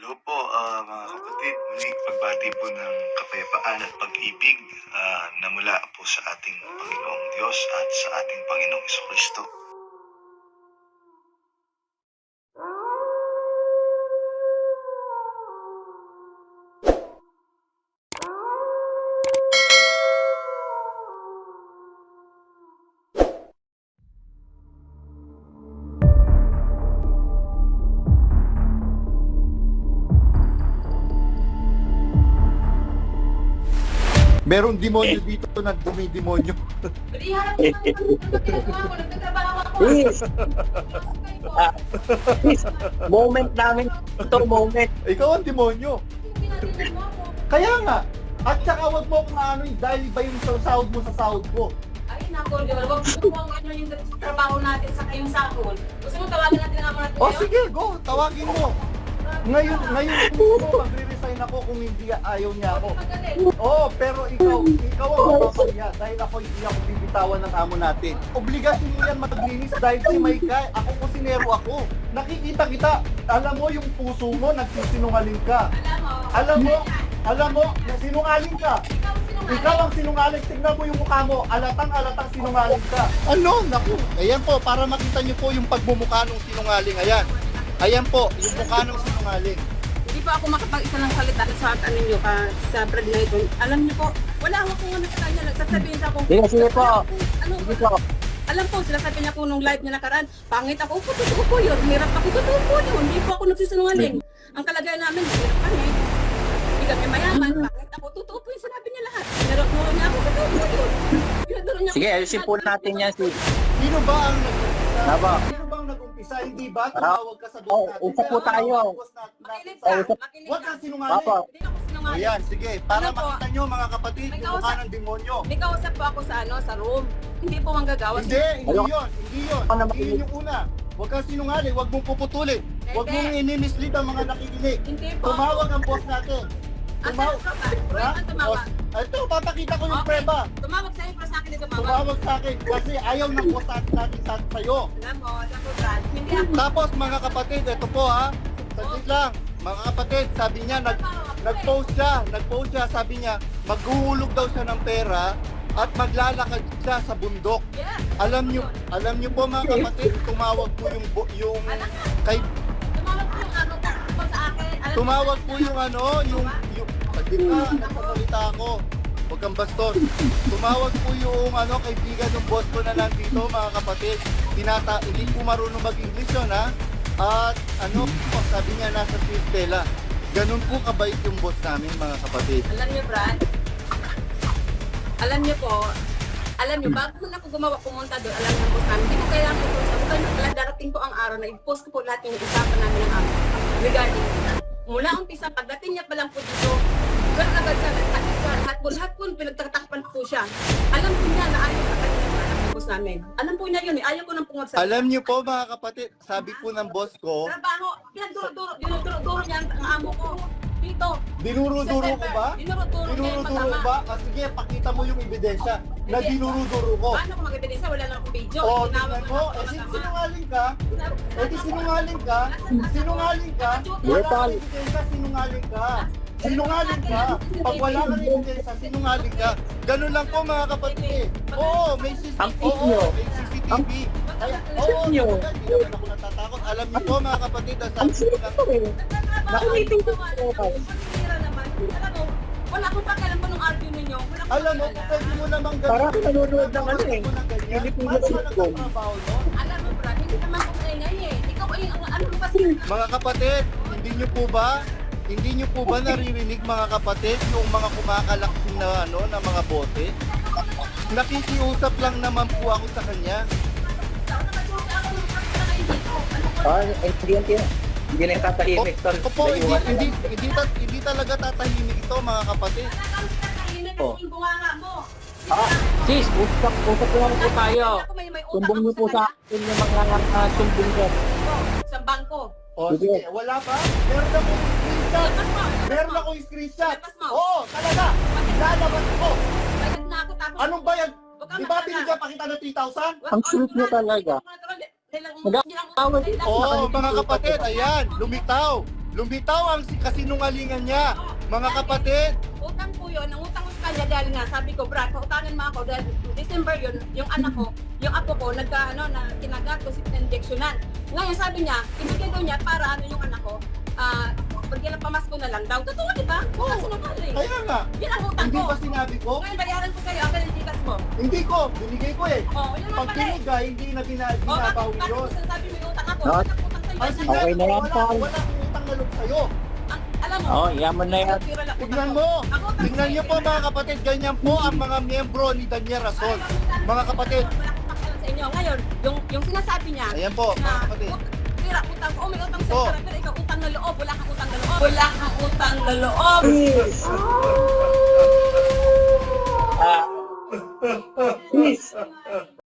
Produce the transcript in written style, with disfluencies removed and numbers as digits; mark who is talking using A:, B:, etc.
A: Hello po, mga kapatid. Muli, pagbati po ng kapayapaan at pag-ibig na mula po sa ating Panginoong Diyos at sa ating Panginoong Jesucristo.
B: Merong demonyo dito na dumidemonyo.
C: Iharap ko lang yung ginagawa ko. Nagtatrabaho ako.
D: Please, please, moment namin ito, moment.
B: Ikaw ang demonyo.
C: Pinatinan mo ako.
B: Kaya nga. At saka wag mo akong ano dahil ba yung sahod mo sa sahod ko.
C: Ay, nako, Lord. Huwag mo kung ano yung trabaho natin sa kayong sahod. Gusto mo tawagin natin ang mga natin
B: O sige, go. Tawagin mo. Ngayon mo magre-resign ako kung hindi ayaw niya ako.
C: Magaling.
B: Oo, pero ikaw ang mapapahiya dahil ako hindi ako bibitawan ng amo natin. Obligasyon mo yan maglinis dahil si Maykay, ako kusinero ako. Nakikita kita, alam mo yung puso mo, nagsisinungaling ka. Alam mo, sinungaling ka. Ikaw ang sinungaling, tignan mo yung mukha mo, alatang sinungaling ka. Ano? Naku, ayan po, para makita niyo po yung pagmumukha ng sinungaling, ayan. Ayan po, yung mukha ng sinungaling.
E: Hindi po ako makapag-isa ng salita sa ano nyo, sa brad na ito. Alam niyo po, wala akong ano sa kanya, nagsasabihin sa akong...
D: Sige po.
E: Ano,
D: Sige po.
E: alam po, sila sabi niya po nung live niya nakaraan, pangit ako, totoo po yun, hirap ako, totoo po yun, hindi po ako nagsisinungaling. Ang kalagayan namin, hirap kami. Hindi kami mayaman, pangit ako, totoo po yung sinabi niya lahat. Nuro niya ako, totoo po yun. Pinaduro niya
D: Sige,
E: ako,
D: ayusin po natin yan, si...
B: Sino ba ang nag-umpisa?
D: Tama.
B: Sino ba ang nag-umpisa? Hindi ba? Tumawag ka sa boss natin.
D: Usap po
B: Kaya
D: tayo.
B: ang boss natin
E: makinig
B: sa-
E: ka, makinig
B: Huwag
E: ka.
B: kang sinungaling.
D: Papa.
E: Hindi ako sinungaling.
B: Ayan, sige. Para
E: Ano po?
B: makita nyo mga kapatid,
E: May
B: yung mukha
E: kausap-
B: ng demonyo.
E: May kausap po ako sa ano, sa room. Hindi po manggagawa.
B: Hindi
D: Ano?
B: yun. Hindi yun.
D: Ano
B: Hindi yun yung una. Huwag kang sinungaling. Huwag mong puputulin. Huwag
E: Hindi.
B: mong inimislead ang mga nakikinig.
E: Hindi po.
B: Tumawag ang boss natin.
E: Asa ang tropa? Roy, ang tumawag.
B: Ito, papakita ko yung
E: Okay.
B: preba.
E: Tumawag sa'yo, pero sa akin din tumawag.
B: Tumawag sa akin kasi ayaw ng boss natin sa'yo.
E: Alam mo, Brad, hindi ako.
B: Tapos mga kapatid, ito po ha. Saglit lang. Mga kapatid, sabi niya, nag-post siya, sabi niya, maghuhulog daw siya ng pera at maglalakad siya sa bundok.
E: Yes.
B: Alam niyo po mga kapatid, tumawag po yung kay
E: Tumawag po yung ano po sa akin. Alam
B: tumawag po yung saglit na, nagsasalita ako. Huwag kang bastos. Tumawag po yung kaibigan ng boss ko na nandito mga kapatid. Hindi po marunong mag-English yun ha. At sabi niya nasa Stella. Ganun po kabait yung boss namin mga kapatid.
E: Alam niyo, Brad, alam niyo, bago na ako pumunta doon, alam niyo po sa amin, hindi ko kailangan ito. Sabi darating po ang araw na i-post ko po lahat yung usapan namin ng araw. Regarding, mula umpisa, pagdating niya pa lang po dito, ganun agad sa lahat po, pinagtatakpan po siya. Alam po niya na ayaw sa kanya yung anak ng boss namin. Alam po niya yun, ayaw ko nang pungod sa...
B: Alam niyo po mga kapatid, sabi po ng boss ko,
E: Trabaho, dinuduro niya ang amo ko. Dito.
B: dinuruduro ko ba?
E: Dinuruduro niya yung
B: Dinuruduro
E: masama.
B: ba? Sige, pakita mo yung ebidensya na dinuruduro ko.
E: Paano ko mag-ebidensya? Wala lang akong video.
B: O,
E: Tinawag
B: tingnan
E: ko
B: mo,
E: lang ako ng ama.
B: sinungaling ka. Sinungaling ka. Wala kang ebidensya, sinungaling ka. Sinungaling ka. Pag wala kang ebidensya, sinungaling ka. Ganun lang po mga kapatid. Oo, may
D: Ang
B: CCTV.
D: inyo.
B: Oo, may CCTV. Kaya, oo,
D: inyo.
B: hindi naman ako natatakot. Alam niyo po mga kapatid, ang
D: Ang
B: sabi ko
D: sino
B: lang,
D: ko eh. Nakulitin ko
E: Alam
D: po.
E: mo, wala akong pakialam po nung argue ninyo. Wala akong
B: alam mo,
E: pakialam.
B: pwede mo namang ganun.
D: Parang nanonood ng ano eh.
B: Pilipinas sitcom.
E: Alam mo, Brad, hindi naman ko ingay eh. Ikaw ay, ano mo kasi?
B: Mga kapatid, hindi niyo po ba naririnig mga kapatid yung mga kumakalaksin na mga bote? Nakikiusap lang naman po ako sa kanya.
D: Hindi na yung tatahimik.
B: Opo, hindi talaga tatahimik ito mga kapatid.
D: Oh.
E: Bunganga mo.
D: Sis, usap lang po tayo. Sumbong niyo po sa akin yung mga sumbong ko.
E: Sa bangko.
B: O sige, wala pa? Meron akong screenshot. Meron akong screenshot. Oo, talaga. Lalabas ko.
E: Bayad na ako tapos.
B: Anong bayad?
E: Huwag ka
B: Di ba
E: mag-alala.
B: binigyan pa kita ng 3,000?
D: Ang sweet niyo talaga. Mag-aaway.
B: Oo, mga kapatid, ayan, lumitaw. Lumitaw ang kasinungalingan niya. Mga kapatid,
E: Utang po yun, nangutang ko sa kanya dahil nga sabi ko, Brad, pautangan mo ako dahil December yun, yung anak ko, yung apo ko, na kinagat ko si injectionan. Ngayon sabi niya, ibigay daw niya para yung anak ko, pagyan ng pamasko na lang daw. Totoo, di ba? Oo, sinungaling.
B: kaya nga.
E: Yan ang utang
B: Hindi
E: ko.
B: ba sinabi ko?
E: Ngayon, bayaran ko kayo, ang kalitikas mo.
B: Hindi ko, binigay ko eh.
E: Oo, yun naman
B: Pag
E: pala eh.
B: pinigay, hindi na binabawi
E: Bakit
B: yun.
E: mo sinasabi may utang ako?
D: No.
E: Utang sa'yo.
B: Ang
E: Yan.
B: sinabi
D: Okay na
B: ko,
D: yan,
B: wala
D: Paul.
B: akong utang na loob sa'yo.
E: Alam mo,
D: Oh, yaman na yan.
E: pira lang utang
B: Tignan
E: ko.
B: mo,
E: Ang utang
B: tignan
E: ko,
B: niyo po mga kapatid, ganyan po ang mga miyembro ni Daniel Rason. Mga kapatid,
E: Wala akong pakialam sa inyo. Ngayon, yung sinasabi niya,
B: ayan po mga
E: na
B: kapatid.
E: tira, utang ko, may utang
B: Oh.
E: sa'yo, pero ikaw utang na loob, wala kang utang na loob. Wala kang utang na loob.
D: Ah,